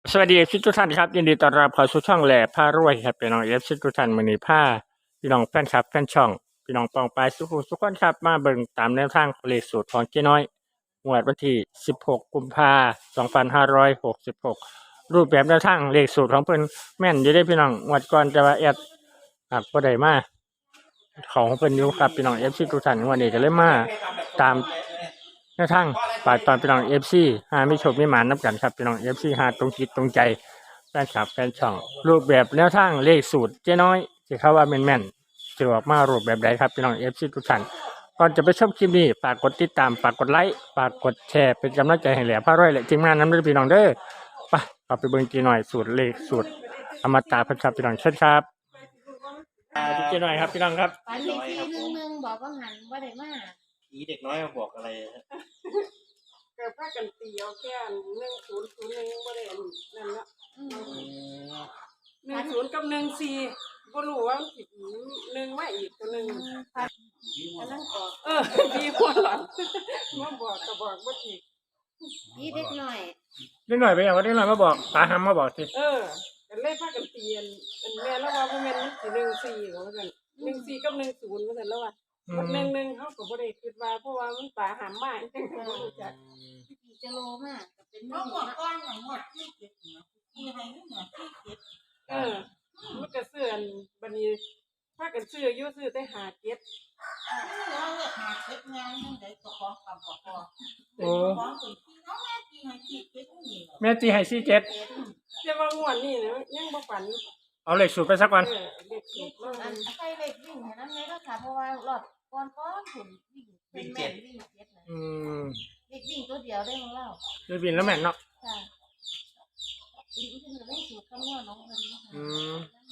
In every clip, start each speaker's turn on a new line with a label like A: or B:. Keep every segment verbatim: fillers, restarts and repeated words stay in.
A: สวัสดีเอฟซีทุกท่านครับยินดีต้อนรับเข้าสู่ช่องแหล่ผ้ารวยครับพี่น้องเอฟซีทุกท่านมื้อนี้ผ้าพี่น้องแฟนคลับแฟนช่องพี่น้องปองปายสุขุสุขคนครับมาเบิ่งตามแนวทางเลขสูตรของเจ๊น้อยงวดวันที่สิบหกกุมภาพันธ์สองพันห้าร้อยหกสิบหกรูปแบบแนวทางเลขสูตรของเพิ่นแม่นอยู่ได้พี่น้องงวดก่อนแต่ว่าแอดหักบ่ได้มาของเพิ่นอยู่ครับพี่น้อง เอฟ ซี ทุกท่านวันนี้ก็เลยมาตามแนวทางฝากตอนพี่น้อง เอฟ ซี หามีโชคมีหมานนํกันครับพี่น้อง เอฟ ซี หาตรงจิตตรงใจแฟนคลับแฟนช่องรูปแบบแนวทางเลขสูตรเจ๊น้อยที่เขาว่าแม่นๆจะออกมารูปแบบใดครับพี่น้อง เอฟ ซี ทุกท่านก่อนจะไปชมคลิปนี้ฝากกดติดตามฝากกดไลค์ฝากกดแชร์เป็นกำลังใจให้แหล่พารวยและทีมงานนำด้วยพี่น้องเด้อไปเอาไปเบิ่งเจ๊น้อยสูตรเลขสูตรอมตะเพิ่นครับพี่น้องเชิญครับสวัสดีเจ๊น้อยครับพี่น้องครับ
B: ฝันอีกทีหนึงหนึงบอกว่าหันว่าได้มา
C: ผีเด็กน้อยมาบอกอะไรฮะ
D: เกิดพากันตีเอาแค่หนึ่งศูนย์ศูนย์หนึ่งบ่ได้อันนั่นเนาะ
B: อืม
D: หนึ่งศูนย์กับหนึ่งสี่บ่รู้ว่ามันสิหนึ่งมาอีกตัวหนึ่ง
B: ฝันอันนั้นก็
D: เออดีพวหลังมาบอกก็บอกบ่ถูก
B: ยี่เด็กหน่อย
A: เด็กน้อยไปอย่างว่าเด็กน้อยมาบอกตาหำมาบอกสิ
D: เออก็เลยพากันตีอันอันแม่แล้วว่าบ่แม่นมันสิหนึ่งสี่ว่าซั่นหนึ่งสี่กับหนึ่งศูนย์ว่าซั่นแล้วว่า
A: อื
D: มันห
A: ม
D: นึ่งหนึ่งเฮาก็บ่ได้คิดว่าเพราะว่ามันป่าหามมาจังก็บ่รู้จัก
B: พี่จะโลมากก็เป็น
E: เขา
B: นี่
E: บอก
B: นะ
E: ก้อนของหมดที่เก็บเหนือที่ให้เหนือที่เก็บ
D: เออมันก็ซื้ออันบัดนี้พากันซื้ออยู่ซื้อแต่หาเก็บ
E: เราเลือกหาเก็บงานยังไงก็ของคำบอกพอ
A: โอ้
E: ของคนที่น้องแม่ที่ให้ที่เก็บนี่
A: แม่ตีให้สี่เจ็ด
D: แต่ว่างวดนี้เนี่ยยังบ่ฝัน
A: เอาเลขสูตรไปสักวัน
D: เออเด็กสุดแล้ว
B: อันใครเล็กวิ่งเห็นนั้นไหมก็ค่ะเพราะว่ารอบก่อนก้อนถุนวิ่งเป็นแม่นวิ่งเจ็ดนะ
A: อืม
B: เด็กวิ่งตัวเดียวได้ของเรา
A: เดี๋ยวบินแล้วแม่นเนาะ
B: ค่ะวิ่งขึ้นไม่สูตรคำนวณน้องคนนี้ค่ะ
A: อืม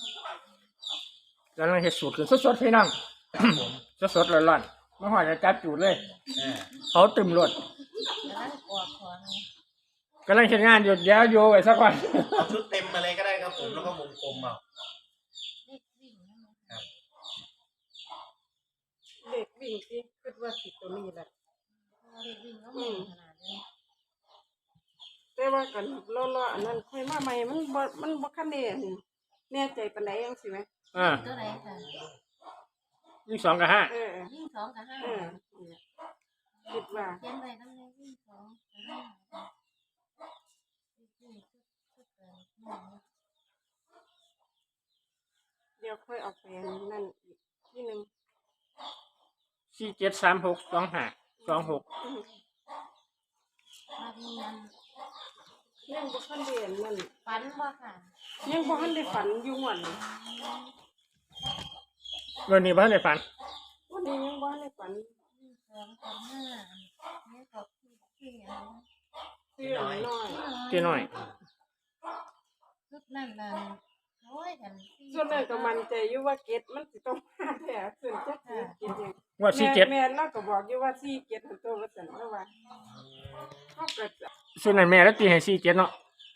A: แล้วเราเห็ดสูตรคือสดๆพี่น้อง
C: ครับผม
A: สดๆร้อนๆมาหอยจะจับจูดเลย
C: อ่า
A: เขาตึมรถ
B: แล้วนั่งกอดคอนะ
A: กำลังเห็นงานอยู่เดี๋ยวโยไว้สักวัน
C: เอาชุดเต็มมาเลยก็ได้ครับผมแล้วก็วงกลมเอา
B: เด็กวิ่งนั่นนะ
D: เด็กวิ่งสิคิดว่าสิตัวนี้แหละ
B: เพราะว่าเด็กวิ่งก็ไม่ขนาดนี้
D: แต่ว่ากันล้อๆอันนั้นค่อยมาใหม่มันบ่มันบ่คันแน่นแน่ใจปานใดจังซี่แหม
A: อ่า
B: ตัวไหนค่ะ
A: ยิ่งสองกับห้า
D: เออ
B: วิ่งสองกับห้า
D: เออคิดว่า
B: เขียนไปน้ำในวิ่งสองกับห้าวิ่งชุดเกินหนึ่ง
D: เดี๋ยวค่อยเอาไปนั่นอีกทีนึง
A: สี่เจ็ดสามหกสองห้าสองหก
B: มาที่นั้น
D: ยังบ่คันได้อันนั่น
B: ฝันว่าค่ะ
D: ยังบ่คันได้ฝันอยู่หวน
A: เงินนี้บ้านในฝัน
D: วันนี้ยังบ่ทันได้ฝัน
B: สองกับห้าเนี่ยกับที่ที่อะไรนะ
D: ซื้ออันน้อย
A: เจ๊น้อย
B: ชุดนั่นนั่นโอ้ยกันที่
D: ส่วนนั้นก็มั่นใจอยู่ว่าเก็ดมันสิต้องมาแท้ส่วนจักสิเก็ดหยัง
A: งวดสี่เจ็ด
D: แม่แม่เราก็บอกอยู่ว่าสี่เก็ดหันตัวว่าซั่นแล้วว่าเฮาก็จะ
A: ส่วนนั้นแม่แล้วตีให้สี่เจ็ดเนาะ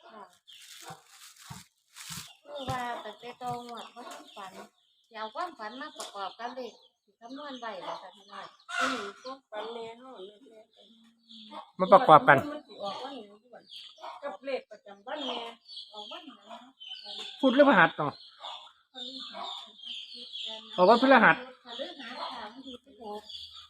B: คือว่าแต่เจ้าโตหมดเขาที่ฝันเดี๋ยวความฝันมาประกอบกันเลยสิคำนวณใบแบบนี้หน่อย
D: อืมพวกฝันแน่เฮาแน่
A: มาประกอบกัน
D: มันสิออกวันนี้ด้วยกับเลขประจำวันแน่
B: ออกวันไหนนะ
A: พูดเรื่องพฤหัสเนาะ
B: คนที่หาคิดกัน
A: ออกวันพฤหัส
B: พฤหัสค่ะวันที่สิบหก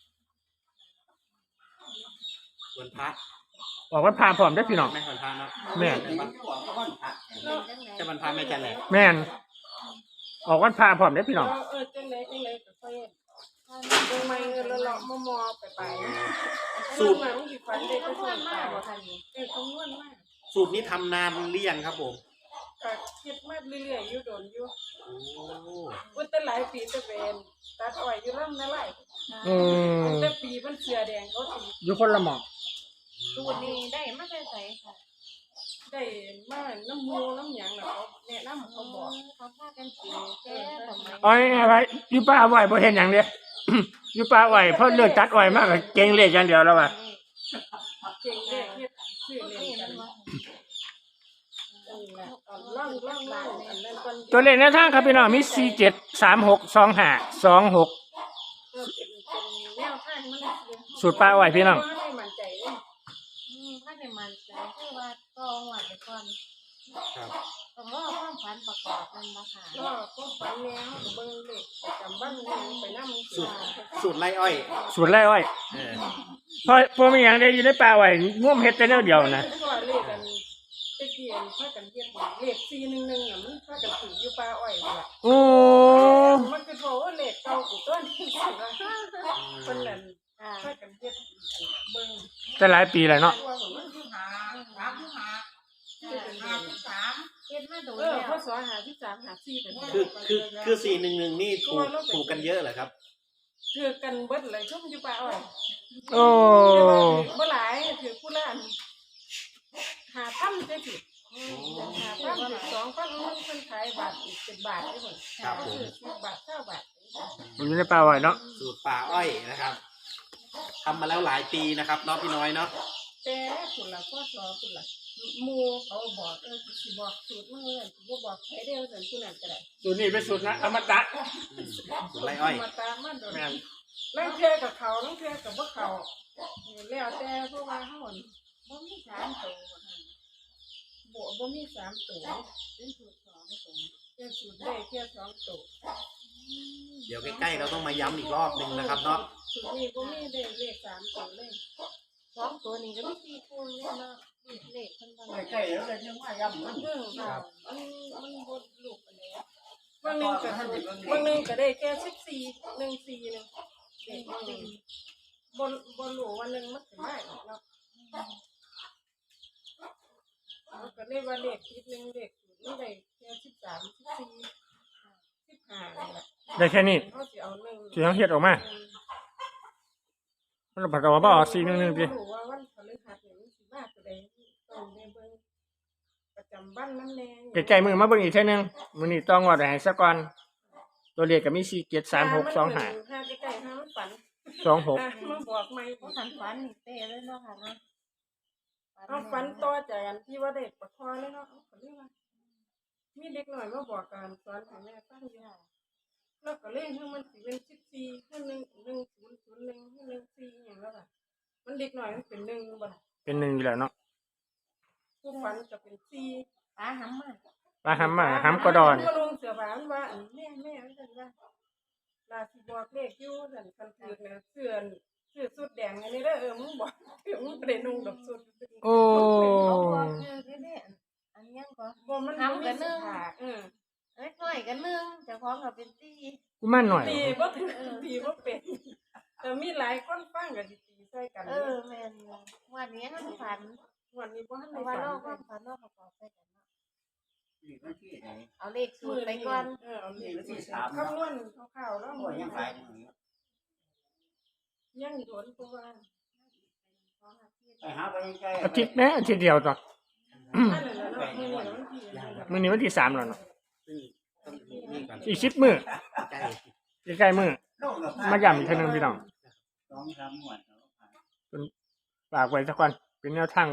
C: วันพระ
A: ออกวันพาพร้อมได้อพี่น้อง
C: ไม่วันพระเนาะ
A: แม่
C: วันวันพระ
B: เป็นจังไหน
C: จะวันพระไม่จันแหละ
A: แม่นออกวันพาพร้อมได้อพี่น้อง
D: เออเออจังไดจังไดก็ค่อยเบิ่งใหม่เงินละเลาะมอๆไปไปสูตรมันสิฝันได้ก็
B: คำน
D: ส่
B: ว
D: วน
B: ณ
D: มาม
B: าก
D: ก
B: กว่าค่ะนี่
D: เออคำนวณมาก
C: สูตรนี้ทำนานหรือยังครับผม
D: ก็คิดมาเรื่อยๆอยู่โดนอยู่
C: โอ้
D: อุ้ยแต่หลายปีแต่เป็นตัดอ้อยอยู่ลำนาไหล
A: อืม
D: แต่ปีมันเสือแดงเขาสิ
A: อยู่คนละหมอง
B: สูตรนี้ได้มาใส่ใส่ค่ะ
D: ได้มาน้ำมูน้ำหยังน่ะเขาแนะนำเขาบอก
B: เขาพากันกินแค่สมัย
A: อ้อยอะไรอยู่ป่าไหวบ่เห็นอย่างเดียว อยู่ป่าไหวเพราะเลือกตัดอ้อยมากกว่าเก่งเลขอย่างเดียวแล้วว่ะ
D: เก่งเลขเฮ็ดชื่อเล่นกันนั่นแหละเอาล่องล่องล่องอันนั้นก่อน
A: ตัวเลขในทางครับพี่น้องมีสี่เจ็ดสามหกสองห้าสองหก
D: เออเป็นเป็นแนวทางมัน
A: สูตรป่าไหวพี่น้อง
D: ให้มั่นใจเลย
B: อืมถ้าในมันใจคือว่าตองหวานไปก่อน
C: ครับ
B: ต้องรอความฝันประกอบนั่นบ่ค่ะ
D: ก็ก็ฝันแนวเบิ่งเลขประจำบ้านแนวไปนำ
C: สูตรสูตรไล่อ้อย
A: สูตรไร่อ้อย
C: เออ
A: เพราะเพราะมีอย่างเดียวอยู่ในป่าไว้ง่วมเฮ็ดแต่แนวเดียวนะ
D: ก็เลขกันตะเกียนพากันเฮ็ดเลขสี่หนึ่งหนึ่งอ่ะมันพากันถืออยู่ป่าอ้อยพุ่นล่ะ
A: โอ้
D: มันคือโทว่าเลขเก่ากูต้นที่สุดนะเพิ่นนั่น
B: ค่ะ
D: พากันเฮ็ดเบิ่ง
A: แต่หลายปีแล้วเนาะ
E: ตัวมันคือหาสามคือหาหาคือสาม
B: เฮ็ดมาโดน
D: เออ
B: แล้ว
D: พศหาที่สามหาสี่เป็น
C: คือคือคือสี่หนึ่งหนึ่งนี่ถูกถูกกันเยอะเหรอครับ
D: ถือกันเบิดเลยชุ่มอยู่ป่าอ้อย
A: โอ้
D: แต่ว่าถือบ่หลายถือผู้ละอันหาพันได้สิหาพันถือสองพันมันเพิ่นขายบาทอีกสิบบาทได้หมด
C: ครับผม
D: ถือสิบบาทเก้าบาท
A: มันอยู่ในป่าไว้เนาะ
C: สูตรป่าอ้อยนะครับทำมาแล้วหลายปีนะครับเนาะพี่น้อยเนาะ
D: แต่คุณละพ่อสอคุณละหมู่เขาบอกเออสิบอกสูตรมื้อนั้นสิบ่บอกใครเดียวแต่ผู้นั้นก็ได้
A: สูตรนี้เป็นสูตรนะอมตะ
C: อืมสูตรไล่อ้อย
D: มาตามมาโดน
A: แม่น
D: ลังเทื่อกับเขาลังเทื่อกับบ่เขาแล้วแต่เพราะว่าเฮาอั่น
B: บ่มีสามตัวบ่ค่ะ
D: บ่บ่มีสามตัว
B: เป็นสูตรสองตัว
D: แค่สูตรได้แค่สองตัว
C: เดี๋ยวใกล้ๆเราต้องมาย้ำอีกรอบหนึ่งนะครับเนาะ
D: สูตรนี้บ่มีได้เลขสามตัวเลย
B: สองตัวนี้ก็มีสี่คู่เลยเนาะเลขเพิ่นบ่ได้
E: ใกล้ๆแล้วเลยยังว่าย่ำมัน
D: เรื่องค่ะมันมันบ่ลูกปานใดบางหนึงก็บางหนึงก็ได้แค่สิบสี่หนึ่งสี่นึงเด็กบางหนึงบ่บ่รู้ว่าหนึงมันสิมาอีกเนาะมันก็เลยว่าเลขคิดหนึงเลขสูตรมันได้แค่สิบสาม สิบสี่ สิบห้านี่แหละ
A: ได้แค่นี้
D: เขาสิเอาหนึ่ง
A: ที่ต้องเฮ็ดออกมามันผัดกับว่าบ่ออกสี่หนึ่งหนึ่งดิ
D: รู้ว่าวันพฤหัสนี่มันสิมาตัวใดต้องได้เบิ่งประจำบ้านมันแน่
A: ใกล้ๆมือมาเบิ่งอีกเท่อนึงมื้อนี้ต้องว่าได้ให้ซะก่อนตัวเลขก็มีสี่ เจ็ด สาม หก สอง ห้า
D: ห้าใกล้ๆห้ามันฝัน
A: สอง หก
D: อ่ะมาบอกใหม่
B: บ่ทันฝันนี่เต้เลยเนาะค่ะเนาะ
D: เอาฝันต่อจากอันที่ว่าได้ประคอเลยเนาะเอาฝันเลยว่ามีเด็กหน่อยมาบอกการสอนให้แม่ฟังอยู่แล้วก็เลยให้มันสิเป็นสิบสี่ให้หนึ่งหนึ่งศูนย์ศูนย์หนึ่งให้หนึ่งสี่อหย่างแล้วล่ะมันเด็กหน่อยมันเป็นหนึ่งบ่ล่ะ
A: เป็นหนึ่งอยู่แล้วเนาะ
D: ผู้ฝันจะเป็นสี่
B: ปลาหำมา
A: ปลาหำมาหำกระดอน
D: ก็ลงเสือผานว่าอันแม่แม่ว่าซั่นว่าลาสิบอกเลขอยู่ซั่นคันถือเนี่ยเสื้อเสื้อสุดแดงอันนี้เด้อเออมึงบอกเออมึงบ่ได้นุ่งดอกสุด
A: โอ้
B: เขาบอกเออเด้ๆอันยังก็
D: บ่มัน
B: ทำกันเนอะ
D: เออ
B: เล็กน้อยกันนึงเจ้าของก็เป็นสี่
A: กูมั่นหน่อย
D: ตีบ่ถึงตีบ่เป็นแต่มีหลายคนฟังก็สิตีใส่กัน
B: เออแม่นอยู่วันนี้ทันฝัน
D: วันนี้บ่ทัน
B: เพ
D: ได้
B: ราะว่า
D: ฝัน
B: เราความฝันเราประกอบไปกันเนาะ
E: นี่มันที่ไหน
B: เอาเลขสูตรไปก่อน
D: เออเอาเลขสูตรคำนวณคร่าวๆแล้ว
E: โอ้ยยังหลายอยู่นี่
D: ยังโดนตัวว่า
E: ไปหาไปใกล้
A: อาทิตย์นะอาทิตย์เดียวต่อ
D: อันนั้นน่ะเนาะมื้อนี้วันที่
A: มื้อนี้วันที่สามแล้วเนาะ
C: ซึ่งต้องนี่ก่อน
A: อีกสิบมื้อ
C: ใกล้
A: ใกล้ๆมื้อมาย้ำอีกเท่อนึงพี่น้อง
E: สองสามหมวด
A: ฝากไว้สักก่อนเป็นแนวทางไว้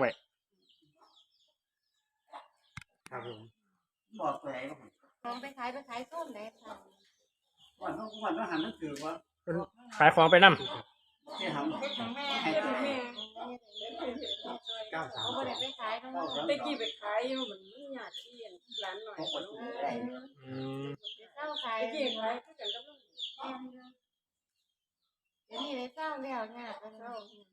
C: ครับผม
E: บอกไปไหน
B: ของไปขายไปขายส้มไหนค่ะ
E: วันนู้นวันนู้นหันนั่นคือว่า
A: ขายของไปนำ
E: ที่ทำ
B: เฮ็ดของแม่
E: ให้
D: เฮ็ด
E: ได้
D: ให้แม่
C: เก้าสาม
B: เขาบ่ได้ไปขายทั้งหมด
D: ตะกี้ไปขายอยู่มันมันยากที่อันร้านหน่อย
E: ของคน
B: เอ
E: อื่น
B: อ
E: ได้
A: อืม
B: เจ้าขาย
D: ตะ
B: เดี๋
D: กี้ขายคือกันกับลูก
B: ยวนี้ได้เจ้าแล้วเนี่ยก็เจ้า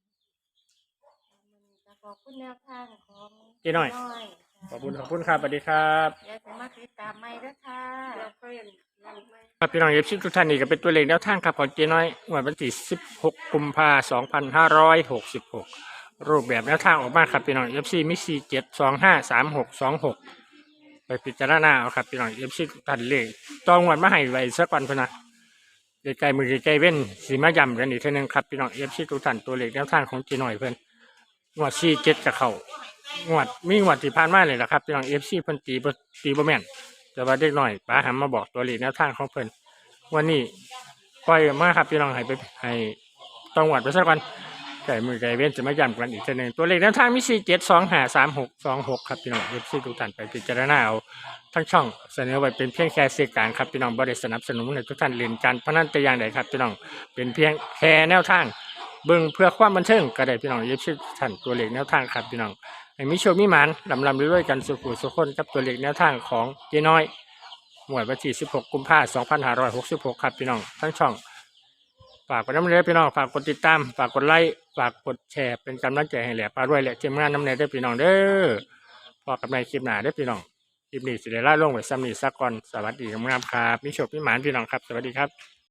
B: ขอบคุณแนวทางของ
A: เจ๊น้อย ขอบคุณขอบคุณครับสวัสดีครับ
B: เดี๋ยวจะมาติดตามใหม่ด้วยค่ะ
D: เราค่อยนั่นไม่
A: ครับพี่น้องเอฟซีทุกท่านนี่ก็เป็นตัวเลขแนวทางครับของเจ๊น้อยวันที่สิบหกกุมภาพันธ์สองพันห้าร้อยหกสิบหกรูปแบบแนวทางออกมาครับพี่น้องเอฟซีมีสี่เจ็ดสองห้าสามหกสองหกไปพิจารณาเอาครับพี่น้องเอฟซีทุกท่านเลขต้องวันมาให้ไว้สักวันพนนะใกล้ๆมือใกล้ๆเว้นสีมาย้ำกันอีกทีนึงครับพี่น้องเอฟซีทุกท่านตัวเลขแนวทางของเจ๊น้อยเพื่อนงวดสี่เจ็ดกับเขางวดมีงวดที่ผ่านมาเลยนะครับพี่น้องเอฟซีเพิ่นตีบ่ตีบ่แม่นแต่ว่าเด็กหน่อยป้าหันมาบอกตัวเลขแนวทางของเพิ่นวันนี้ปล่อยมาครับพี่น้องให้ไปให้ต้องวัดไปสักวันไก่มือไก่เว้นจะมาย้ำกันอีกทีหนึ่งตัวเลขแนวทางมีสี่เจ็ดสองห้าสามหกสองหกครับพี่น้องเอฟซีทุกท่านไปพิจารณาเอาทั้งช่องเสนอไว้เป็นเพียงแค่สื่อกลางครับพี่น้องบ่ได้สนับสนุนให้ทุกท่านเล่นการพนันแต่อย่างใดครับพี่น้องเป็นเพียงแค่แนวทางเบิ่งเพื่อความบันเทิงก็ได้พี่น้องเอฟซีทุกท่านตัวเลขแนวทางครับพี่น้องให้มีโชคมีหมานลำลำด้วยๆกันสุขุสุขคนกับตัวเลขแนวทางของเจ๊น้อยหมวดวันที่สิบหกกุมภาพันธ์สองพันห้าร้อยหกสิบหกครับพี่น้องทั้งช่องฝากกดน้ำเนื้อพี่น้องฝากกดติดตามฝากกดไลค์ฝากกดแชร์เป็นกำลังใจให้แหล่พารวยและทีมงานน้ำเนื้อได้อพี่น้องเด้อพอกับในคลิปหน้าได้อพี่น้องคลิปนี้สิได้ล่าลงไว้ซ้ำนี้สักก่อนสวัสดีงามๆครับมีโชคมีหมานพี่น้องครับสวัสดีครับ